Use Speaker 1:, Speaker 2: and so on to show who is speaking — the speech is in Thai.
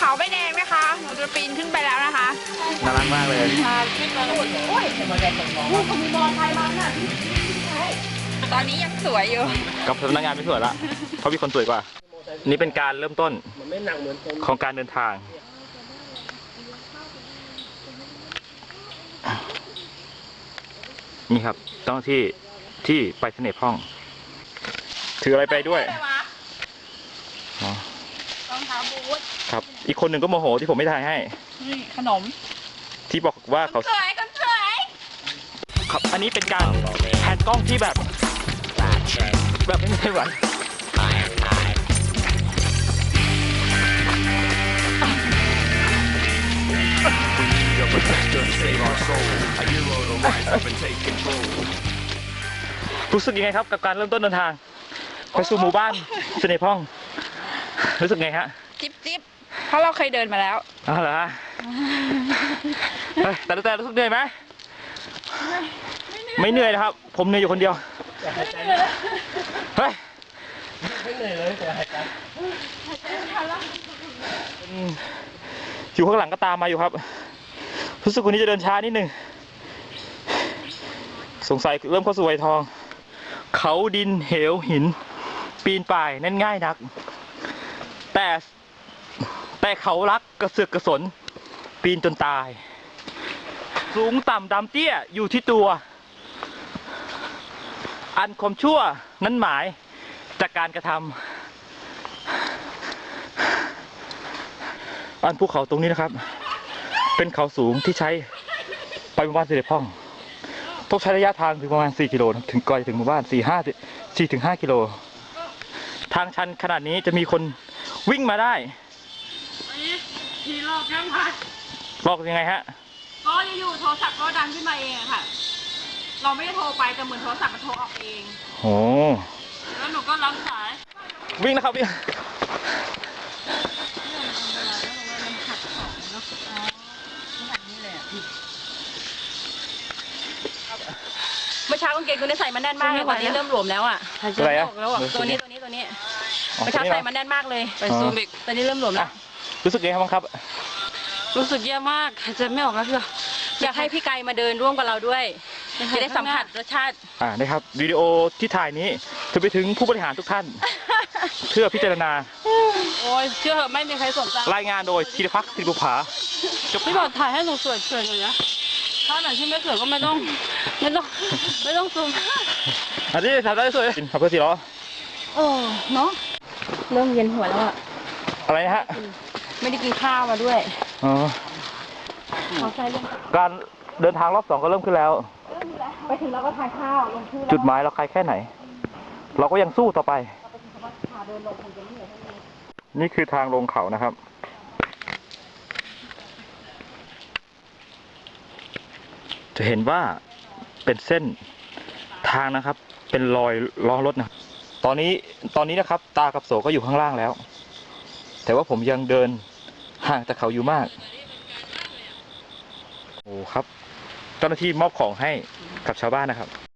Speaker 1: เขาใบแดงนะคะหนูจะปีนขึ้นไปแล้วนะคะ
Speaker 2: น่ารักมากเลย
Speaker 1: ขึ้นมาแล้วโอ้ยเขามีมอไซค์มาน่ะตอนนี้ยังสวยอยู่
Speaker 2: กับพนักงานไม่สวยละเพราะมีคนสวยกว่านี่เป็นการเริ่มต้นของการเดินทางนี่ครับต้องที่ไปเสน่ห์พ่องถืออะไรไปด้วย
Speaker 1: รองเท้าบูท
Speaker 2: ครับอีกคนหนึ่งก็โมโหที่ผมไม่ถ่ายให้
Speaker 1: นี่ขนม
Speaker 2: ที่บอกว่าเขา
Speaker 1: สวย
Speaker 2: ครับอันนี้เป็นการแผนกล้องที่แบบไม่มีใครหวังรู้สึกยังไงครับกับการเริ่มต้นเดินทางไปสู่หมู่บ้านเสน่ห์พ่องรู้สึกไงฮะ
Speaker 1: จิ๊บเพราะเราเคยเดินมาแล้ว
Speaker 2: อ๋อเหรอแต่รู้สึกเหนื่อยไหมไม่เหนื่อยนะครับผมเหนื่อยอยู่คนเดียวเฮ้ยไม่เหนื่อยเลยแต่หายใจอยู่ข้างหลังก็ตามมาอยู่ครับรู้สึกวันนี้จะเดินช้านิดนึงสงสัยเริ่มเข้าสู่วัยทองเขาดินเหวหินปีนป่ายนั่นง่ายนักแต่เขารักกระเสือกกระสนปีนจนตายสูงต่ำดำเตี้ยอยู่ที่ตัวอันความชั่วนั้นหมายจากการกระทำอันภูเขาตรงนี้นะครับเป็นเขาสูงที่ใช้ไปหมู่บ้านเสด็จพ่องต้องใช้ระยะทางถึงประมาณ4 กิโลถึงก่อนจะถึงหมู่บ้าน4 ถึง 5 กิโลทางชันขนาดนี้จะมีคนวิ่งมาได้
Speaker 1: ทีหลอกยังไง
Speaker 2: หลอกยังไงฮะ
Speaker 1: ก็อยู่โทรศัพท์ก็ดังขึ้นมาเองค่ะเราไม่ได้โทรไปแต่เหมือนโทรศัพท์มันโทรออกเอง
Speaker 2: โอ้
Speaker 1: แล้วหนูก็รับสาย
Speaker 2: วิ่งนะครับวิ่ง
Speaker 1: เมื่อเช้ากางเกงตัวนี้ใส่มันแน่นมากเลยวันนี้เริ่มหลวมแล้วอ่ะ
Speaker 2: อะไรอ่ะ
Speaker 1: ตัวนี้เมื่อเช้าใส่มันแน่นมากเลยไปซูมิกตอนนี้เริ่มหลวมแล้ว
Speaker 2: รู้สึกยังไงบ้างครับ
Speaker 1: รู้สึกแย่มากจะไม่ออกแล้วพี่อยากให้พี่ไก่มาเดินร่วมกับเราด้วยจะได้สัมผัสรสชาติ
Speaker 2: นะครับวิดีโอที่ถ่ายนี้จะไปถึงผู้บริหารทุกท่านเพื่อพิจารณา
Speaker 1: โอ้ยเชื่อเหอะไม่มีใครสนใจ
Speaker 2: รายงานโดยธีรพักดิ์ ศิริบุภา
Speaker 1: พี่บอกถ่ายให้หนูสวยๆอย่างเงี้ยถ้าไหนที่ไม่สวยก็ไม่ต้องซูม
Speaker 2: อันนี้ถ่ายได้สวยขับเพื่อ4 ล้อ
Speaker 1: เนาะเริ่มเย็นหัวแล้วอะ
Speaker 2: อะไรฮะ
Speaker 1: ไม่ได้กินข้าวมาด้วย
Speaker 2: การเดินทางรอบ 2ก็เริ่มขึ้นแล้ว
Speaker 1: ไปถึงเราก็ทานข้าวลงชื่อ
Speaker 2: จุดหมายเราไกลแค่ไหนเราก็ยังสู้ต่อไปนี่คือทางลงเขานะครับจะเห็นว่าเป็นเส้นทางนะครับเป็นรอยล้อรถนะตอนนี้นะครับตากับโสก็อยู่ข้างล่างแล้วแต่ว่าผมยังเดินห่างจากเขาอยู่มากโอ้ครับเจ้าหน้าที่มอบของให้กับชาวบ้านนะครับ